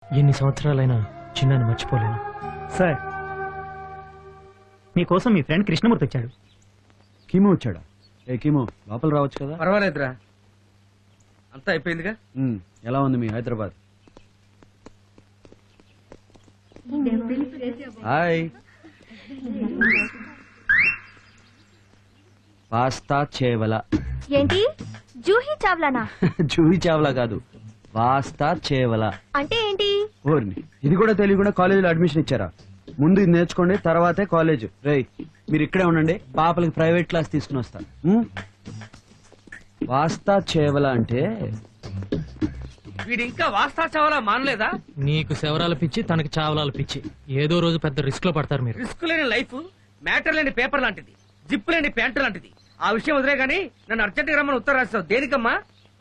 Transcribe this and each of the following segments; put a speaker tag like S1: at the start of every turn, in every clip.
S1: ఎన్ని సంవత్సరాలైనా చిన్నాన్ని మర్చిపోలేను.
S2: సార్ మీకోసం మీ ఫ్రెండ్ కృష్ణమూర్తి వచ్చాడు.
S3: కీమో వచ్చాడా? ఏ కీమో, లోపల రావచ్చు కదా.
S4: పర్వాలేదురా, అంతా అయిపోయిందిగా.
S3: ఎలా ఉంది మీ హైదరాబాద్? హాయ్. పాస్తా చేవల.
S5: ఏంటి జూహీ చావ్లానా?
S3: జూహీ చావలా కాదు, పాస్తా చేవల
S5: అంటే ఏంటి?
S3: ఓర్ని, ఇది కూడా తెలియకుండా కాలేజీలో అడ్మిషన్ ఇచ్చారా? ముందు ఇది నేర్చుకోండి, తర్వాతే కాలేజ్. రేయ్ మీరు ఇక్కడే ఉండండి, పాపలకి ప్రైవేట్ క్లాస్ తీసుకుని వస్తా. పాస్తా చేవల అంటే
S4: వీడు ఇంకా వాస్తా చావాలా మానలేదా?
S1: నీకు శవరాల పిచ్చి, తనకి చావలాల పిచ్చి. ఏదో రోజు పెద్ద రిస్క్ లో పడతారు మీరు.
S4: రిస్క్ లేని లైఫ్ మ్యాటర్ లేని పేపర్ లాంటిది, జిప్ లేని ప్యాంటు లాంటిది. ఆ విషయం వదిలే గానీ నన్ను అర్జెంట్ గా రమ్మని ఉత్తరం రాస్తావు దేనికమ్మా?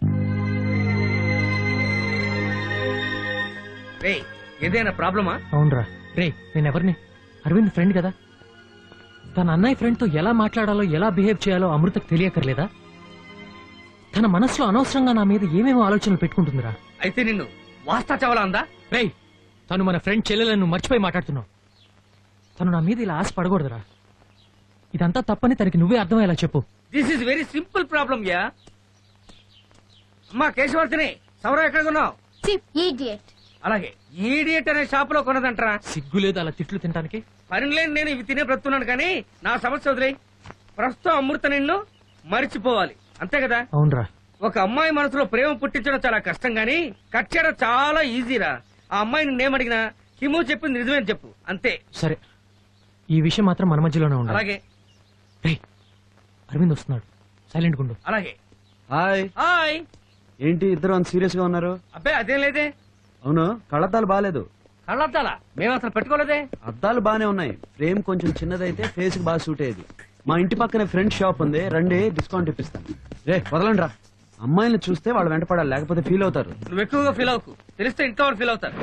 S4: రే ఏదైనా ప్రాబ్లమా?
S1: అవునరా. రే నేనెవరిని? అరవింద్ ఫ్రెండ్ కదా. తన అన్నయ్య ఫ్రెండ్ తో ఎలా మాట్లాడాలో, ఎలా బిహేవ్ చేయాలో అమృతకు తెలియకర్లేదా? తన మనసులో అనవసరంగా నా మీద ఏమేమో ఆలోచనలు పెట్టుకుంటుందిరా.
S4: అయితే నిన్ను వాస్తా చావాలా అందా?
S1: రే తను మన ఫ్రెండ్ చెల్లెలను మర్చిపోయి మాట్లాడుతున్నావు. తను నా మీద ఇలా ఆశ పడకూడదురా. ఇదంతా తప్పని తనకి నువ్వే అర్థమయ్యేలా చెప్పు.
S4: This is very simple problem యా. అమ్మా కేశవర్తిని, సౌరవ్ ఎక్కడ కొన్నావు? అలాగే ఈడియట్ అనే షాప్ లో కొన్నదంటరా.
S1: సిగ్గు లేదు అలా తిట్లు తినడానికి?
S4: పనిలేని నేను ఇవి తినే బ్రతున్నాను కానీ నా సమస్య వదిలే. ప్రస్తుతం అమృత నిన్ను మరిచిపోవాలి అంతే కదా?
S1: అవునరా.
S4: ఒక అమ్మాయి మనసులో ప్రేమ పుట్టించడం చాలా కష్టం గానీ కట్ చేయడం చాలా ఈజీరా. ఆ అమ్మాయి నేనేమడిగినా హిమూ చెప్పింది నిజమేని చెప్పు అంతే.
S1: సరే ఈ విషయం మాత్రం మన మధ్యలోనే ఉండాలి.
S4: అలాగే.
S1: రే అరవింద్ వస్తున్నాడు, సైలెంట్ గుండు.
S4: అలాగే.
S3: హాయ్.
S4: హాయ్.
S3: ఏంటి ఇద్దరు అంత సీరియస్ గా ఉన్నారు?
S4: అబ్బాయి అదేం లేదే.
S3: అవును, కళ్ళద్దాలు బాగాలేదు.
S4: కళ్ళద్దాలా? మేము అసలు పెట్టుకోలేదే.
S3: అద్దాలు బానే ఉన్నాయి, ఫ్రేమ్ కొంచెం చిన్నదైతే ఫేస్ కి బాగా సూట్ అయ్యేది. మా ఇంటి పక్కనే ఫ్రెండ్ షాప్ ఉంది, రండి డిస్కౌంట్ ఇప్పిస్తాను. రే వదలండి రా, అమ్మాయిని చూస్తే వాళ్ళు వెంటపడాలి, లేకపోతే ఫీల్ అవుతారు.
S4: నువ్వు ఎక్కువగా ఫీల్ అవ్వకు, తెలిస్తే ఇంట్లో వాళ్ళు ఫీల్ అవుతారు.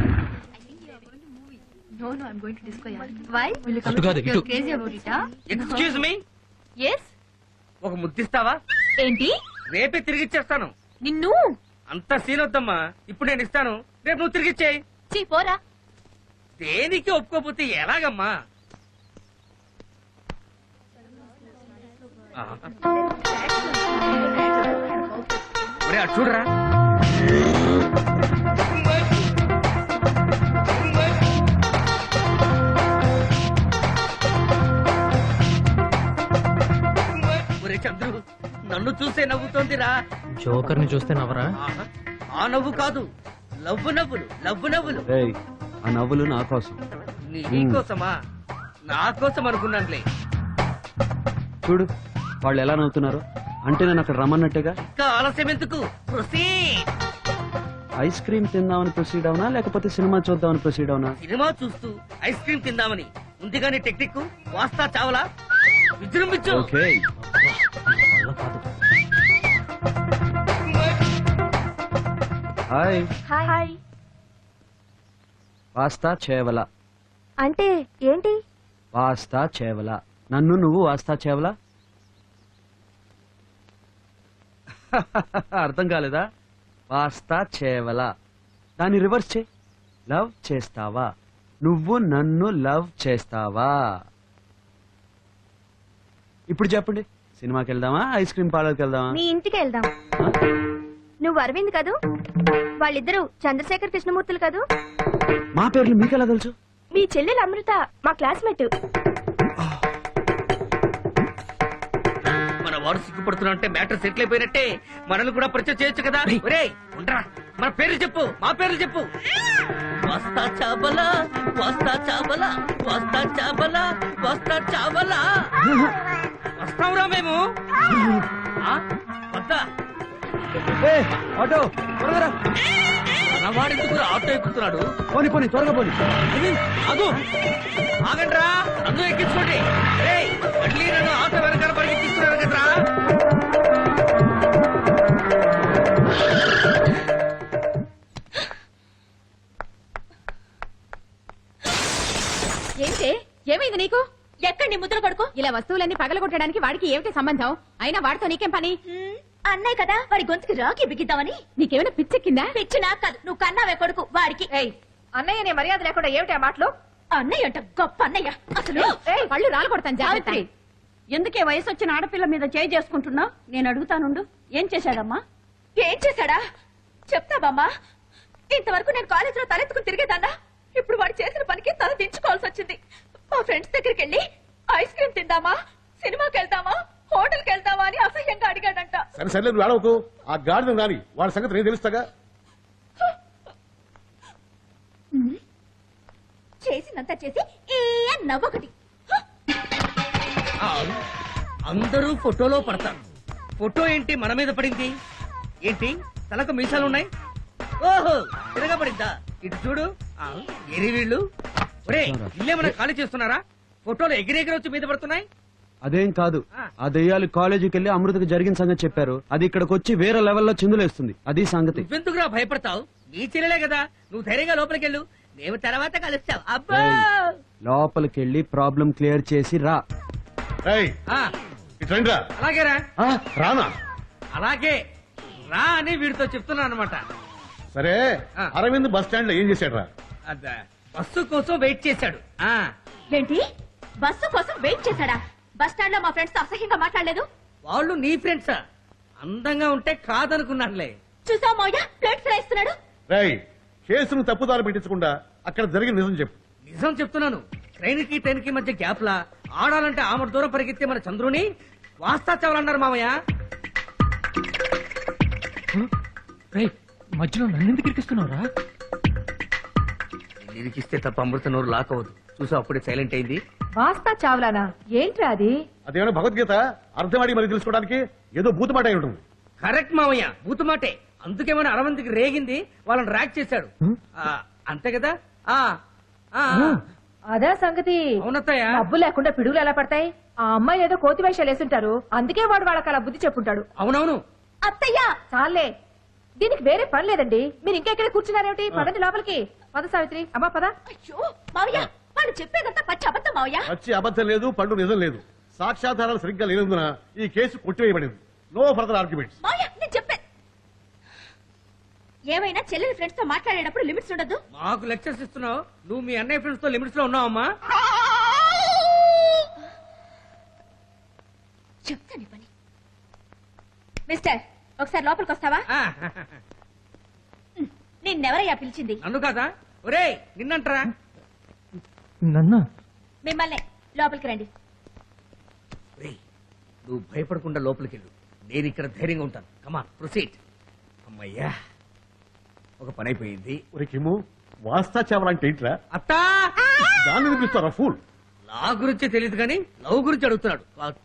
S1: అటు కాదు ఇటు.
S4: ఎక్స్క్యూజ్ మీ, ఒక ముద్దిస్తావా?
S5: ఏంటి?
S4: రేపే తిరిగిచ్చేస్తాను.
S5: నిన్ను
S4: అంత సీన్ వద్దమ్మా, ఇప్పుడు నేను ఇస్తాను, రేపు నువ్వు తిరిగిచ్చేయి.
S5: పోరా.
S4: దేనికి ఒప్పుకోపోతే ఎలాగమ్మా? ఒరే అటు చూడరా. ఒరే చంద్రు, నన్ను చూసే నవ్వుతోందిరా.
S1: జోకర్ ని చూస్తే నవ్వరా?
S4: ఆ నవ్వు కాదు, లవ్వు నవ్వులు, లవ్వు నవ్వులు.
S3: రేయ్ ఆ నవ్వులు నా కోసం.
S4: నీకోసమా? నా కోసం అనుకున్నానులే.
S3: చూడు వాళ్ళు ఎలా నవ్వుతున్నారు, అంటే నేను అక్కడ రమ్మన్నట్టుగా.
S4: ఇంకా ఆలస్యం ఎందుకు? ప్రొసీడ్.
S3: ఐస్ క్రీమ్ తిందామని ప్రొసీడ్ అవునా, లేకపోతే సినిమా చూద్దామని ప్రొసీడ్ అవునా?
S4: సినిమా చూస్తూ ఐస్ క్రీమ్ తిందామని ముందుగానే టెక్నిక్ వాస్తా చావలా విజృంభించు.
S3: ఓకే.
S1: వల్ల కాదు.
S3: హాయ్.
S5: హాయ్.
S3: పాస్తా చేవల
S5: అంటే ఏంటి?
S3: పాస్తా చేవల. నన్ను నువ్వు వాస్తా చేవలా? అర్థం కాలేదా? పాస్తా చేవల, దాన్ని రివర్స్ చే. లవ్ చేస్తావా? నువ్వు నన్ను లవ్ చేస్తావా? ఇప్పుడు చెప్పండి, సినిమాకి వెళ్దామా, ఐస్ క్రీమ్ పార్లర్కి వెళ్దామా?
S5: మీ ఇంటికి వెళ్దాం. నువ్వు అరవింద్ కదూ? వాళ్ళిద్దరూ చంద్రశేఖర్ కృష్ణమూర్తులు కదూ?
S3: మా పేర్లు మీకెలా తెలుసు?
S5: మీ చెల్లెలు అమృత మా క్లాస్మేట్.
S4: మన వాడు సిగ్గుపడుతున్నా అంటే మ్యాటర్ సెటిల్ అయిపోయినట్టే. మనల్ని కూడా పరిచయం చేయొచ్చు కదా. ఒరేయ్ ఉండరా, మన పేర్లు చెప్పు, మా పేర్లు చెప్పు. వస్తా చాబలా, వస్తా చాబలా, వస్తా చాబలా, వస్తా చాబలా. వస్తాంరా మేము. వద్దా?
S3: ఆటో త్వరగా రా.
S4: మనవాడెందుకు ఆటో ఎక్కుతున్నాడు?
S3: పోనీ పోనీ త్వరగా పోనీ.
S4: అదు ఆగండ్రా, నన్ను ఎక్కించుకోండి. మళ్ళీ నన్ను ఆటో వెనకాల పరిగెత్తిస్తున్నారు కదరా.
S5: ఏంటే ఏమైంది నీకు? ఎక్కడ నీ ముద్ర కొడుకు? ఇలా వస్తువులన్నీ పగలగొట్టడానికి వాడికి ఏమిటి సంబంధం? అయినా వాడితో నీకేం పని? అన్నయ్య కదా వాడి గొంతుకి రాకి బిగిద్దామని. నీకేమైనా పిచ్చెక్కిందా? పిచ్చి నాకు కాదు, నువ్వు కన్నావే కొడుకు వాడికి.
S6: అన్నయ్య నీ మర్యాద లేకుండా ఏమిటి ఆ మాటలు?
S5: అన్నయ్య అంట గొప్ప అన్నయ్య. అసలు
S6: పళ్ళు రాలు కొడతాను జాగ్రత్త.
S7: సావిత్రి, ఎందుకే వయసు వచ్చిన ఆడపిల్ల మీద చేయి చేసుకుంటున్నావు? నేను అడుగుతానుండు, ఏం చేశాడమ్మా?
S5: ఏం చేశాడా చెప్తా బామ్మా. ఇంతవరకు నేను కాలేజీలో తలెత్తుకుని తిరిగేదాన్నా. ఇప్పుడు వాడు చేసిన పనికి తల దించుకోవాల్సి వచ్చింది. మా ఫ్రెండ్స్ దగ్గరికి వెళ్ళి ఐస్ క్రీమ్ తిందామా, సినిమాకి వెళ్దామా, హోటల్కి వెళ్దామా అని అసహ్యంగా అడిగాడంట.
S8: సరే సరే నువ్వు ఏడవకు. ఆ గాడిద రాని వాడి సంగతి నేను తెలుస్తాగా.
S5: చేసినంత చేసి ఏ నవ్వొకటి.
S4: అందరూ ఫోటోలో పడతారు. ఫోటో ఏంటి మన మీద పడింది? ఏంటి తలకు మీసాలున్నాయి? ఓహో తిరగబడిందా? ఇటు చూడు. ఎరి వీళ్ళు ఒరే ఇల్లేమన్నా ఖాళీ చేస్తున్నారా? ఫోటోలు ఎగిరెగిరొచ్చి మీద పడుతున్నాయి.
S3: అదేం కాదు, ఆ దెయ్యాలు కాలేజీకి వెళ్ళి అమృతకు జరిగిన సంగతి చెప్పారు. అది ఇక్కడికి వచ్చి వేరే లెవెల్లో చిందులేస్తుంది. అది సంగతి.
S4: నువ్వెందుకురా భయపడతావు? నీ చెల్లెలే కదా, నువ్వు ధైర్యంగా లోపలికి వెళ్ళు. మేము తర్వాత కలుస్తాం. అబ్బా
S3: లోపలికి వెళ్ళి ప్రాబ్లం క్లియర్ చేసి రా.
S8: ఏయ్,
S4: ఆ,
S8: ఇటు రండిరా.
S4: అలాగేరా.
S8: ఆ, రానా?
S4: అలాగే రా అని వీడితో చెప్తున్నా అనమాట.
S8: సరే
S4: ఆ.
S8: అరవింద్ బస్ స్టాండ్ లో ఏం చేశాడు రా?
S4: బస్సు కోసం వెయిట్ చేశాడు.
S5: ఏంటి బస్సు కోసం వెయిట్ చేశాడా? బస్ స్టాండ్ లో మా ఫ్రెండ్స్ తో అసహ్యంగా మాట్లాడలేదు.
S4: వాళ్ళు నీ ఫ్రెండ్సా? అందంగా ఉంటే కాదనుకున్నానులే.
S5: చూసావు మౌయ ప్లేట్స్ రాయిస్తున్నాడు.
S8: రేయ్, కేసును తప్పుదారి పెట్టించకుండా అక్కడ జరిగిన నిజం చెప్పు.
S4: నిజం చెప్తున్నాను. ట్రైన్ కి మధ్య గ్యాప్ లా ఆడాలంటే ఆమె దూరం పరిగెత్తే మన చంద్రుని వాస్తా చావాలన్నారు మామయ్య.
S1: రేయ్ మధ్యలో నన్నెందుకు ఇరికిస్తున్నావురా?
S4: నిరికిస్తే తప్ప అమృత నోరు లాక్ అవ్వదు. చూసా అప్పుడే సైలెంట్ అయింది.
S6: వాస్తా చావ్లానా? ఏంట్రా అది?
S8: అదేమైనా భగవద్గీత అర్థమాడి మరి తెలుసుకోవడానికి ఏదో భూతమాట అయి ఉంటుంది.
S4: కరెక్ట్ మామయ్య, బూతుమాటే. అందుకేమైనా అరవంతికి రేగింది, వాళ్ళని ర్యాక్ చేశాడు. అంతే కదా? ఆ ఆ, ఆ.
S6: అదే సంగతి.
S4: అవునత్తయ్య.
S6: డబ్బు లేకుండా పిడుగులు ఎలా పడతాయి? ఆ అమ్మాయి ఏదో కోతి వేషాలు వేసుంటారు, అందుకే వాడు వాళ్ళకి అలా బుద్ధి చెప్పుంటాడు.
S4: అవునవును.
S5: అత్తయ్యా
S6: చాలే, దీనికి వేరే పని లేదండి. మీరు ఇంకా ఇక్కడ కూర్చున్నారేమిటి? పదండి లోపలికి. పద సావిత్రి. అమ్మా పద.
S5: అయ్యో మావయ్య వాళ్ళు చెప్పేదంతా పచ్చి అబద్ధం మావయ్య.
S8: వచ్చి అబద్ధం లేదు, పండు నిజం లేదు. సాక్ష్యాధారాలు సరిగ్గా లేనందున ఈ కేసు కొట్టివేయబడింది. No further arguments.
S5: మావయ్య నేను చెప్పే ఏమైనా చెల్లెలి ఫ్రెండ్స్ తో మాట్లాడేటప్పుడు లిమిట్స్ ఉండదు.
S4: మాకు లెక్చర్స్ ఇస్తున్నావు. నువ్వు మీ అన్నయ్య ఫ్రెండ్స్ తో లిమిట్స్ లో ఉన్నావమ్మా.
S5: చెప్తాను పని. మిస్టర్ ఒకసారి లోపలికి వస్తావా? నిన్నెవరయ్యా పిలిచింది?
S4: నన్ను కాదా? ఒరే నిన్నంటరా.
S1: నన్నా?
S5: మిమ్మల్ని. లోపలికి రండి.
S4: ఒరేయ్, నువ్వు భయపడకుండా లోపలికి వెళ్ళు. నేను ఇక్కడ ధైర్యంగా ఉంటాను. Come on proceed. అమ్మయ్యా, ఒక పని అయిపోయింది.
S8: ఒరే కిమ్ము, వాస్తా చావాలంటే ఏంట్రా?
S4: అత్తా
S8: దాన్ని వినిపిస్తారా ఫూల్?
S4: నా గురించి తెలియదు కానీ లవ్ గురించి అడుగుతున్నాడు.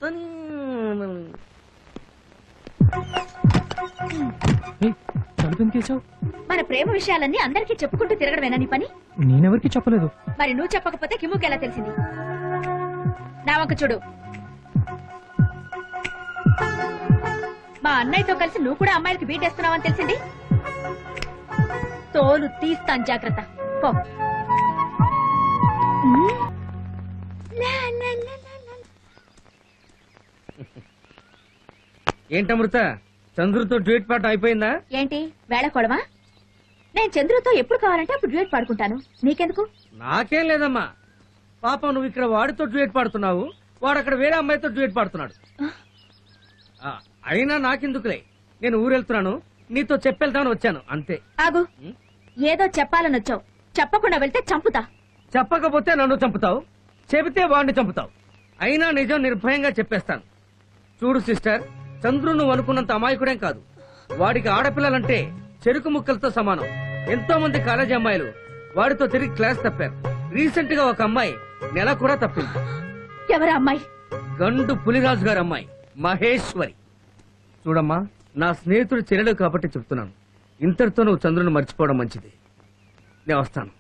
S1: తలుపు ఎందుకేసావు?
S5: మన ప్రేమ విషయాలన్నీ అందరికీ చెప్పుకుంటూ తిరగడమేనా నీ పని?
S1: నేనెవరికి చెప్పలేదు.
S5: మరి నువ్వు చెప్పకపోతే కిమ్ముకి ఎలా తెలిసింది? నా వంక చూడు. మా అన్నయ్యతో కలిసి నువ్వు కూడా అమ్మాయిలకి బీటేస్తున్నావని తెలిసింది. తోలు తీస్తాను, జాగ్రత్త. పో.
S4: ఏంటమృత, చంద్రుతో డ్యూట్ పాట అయిపోయిందా?
S5: ఏంటి వేళకోళమా? నేను చంద్రుతో ఎప్పుడు కావాలంటే అప్పుడు డ్యూయట్ పాడుకుంటాను. నీకెందుకు?
S4: నాకేం లేదమ్మా. పాపం నువ్వు ఇక్కడ వాడితో డ్యూట్ పాడుతున్నావు, వాడు అక్కడ వేరే అమ్మాయితో డ్యూట్ పాడుతున్నాడు. అయినా నాకెందుకులే, నేను ఊరెళ్తున్నాను, నీతో చెప్పెళ్తామని వచ్చాను అంతే.
S5: ఆగు. ఏదో చెప్పాలని వచ్చావు, చెప్పకుండా వెళ్తే చంపుతా.
S4: చెప్పకపోతే నన్ను చంపుతావు, చెబితే వాడిని చంపుతావు. అయినా నిజం నిర్భయంగా చెప్పేస్తాను. చూడు సిస్టర్, చంద్రు నువ్వు అనుకున్నంత అమాయకుడేం కాదు. వాడికి ఆడపిల్లలంటే చెరుకు ముక్కలతో సమానం. ఎంతో మంది కాలేజీ అమ్మాయిలు వాడితో తిరిగి క్లాస్ తప్పారు. రీసెంట్ గా ఒక అమ్మాయి నెల కూడా తప్పింది.
S5: ఎవరా అమ్మాయి?
S4: గండు పులిరాజు గారి అమ్మాయి మహేశ్వరి. చూడమ్మా, నా స్నేహితుడు చెల్లెలు కాబట్టి చెప్తున్నాను, ఇంతటితో నువ్వు చంద్రుని మర్చిపోవడం మంచిది. నేను వస్తాను.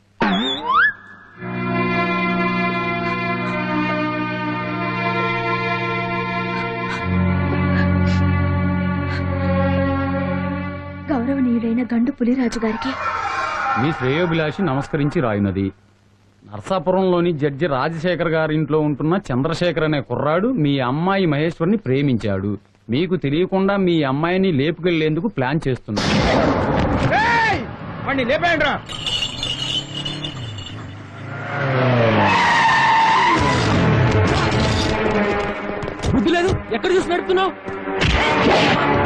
S5: గౌరవనీయుడైన గండు పులిరాజు గారికి
S9: మీ శ్రేయోభిలాషి నమస్కరించి రాయునది. నర్సాపురంలోని జడ్జి రాజశేఖర్ గారి ఇంట్లో ఉంటున్న చంద్రశేఖర్ అనే కుర్రాడు మీ అమ్మాయి మహేశ్వరిని ప్రేమించాడు. మీకు తెలియకుండా మీ అమ్మాయిని లేపుకెళ్లేందుకు ప్లాన్ చేస్తున్నారు.
S4: వాడిని లేపేయండి రా.
S1: బుద్ధి లేదు, ఎక్కడ చూసి నడుపుతున్నావు?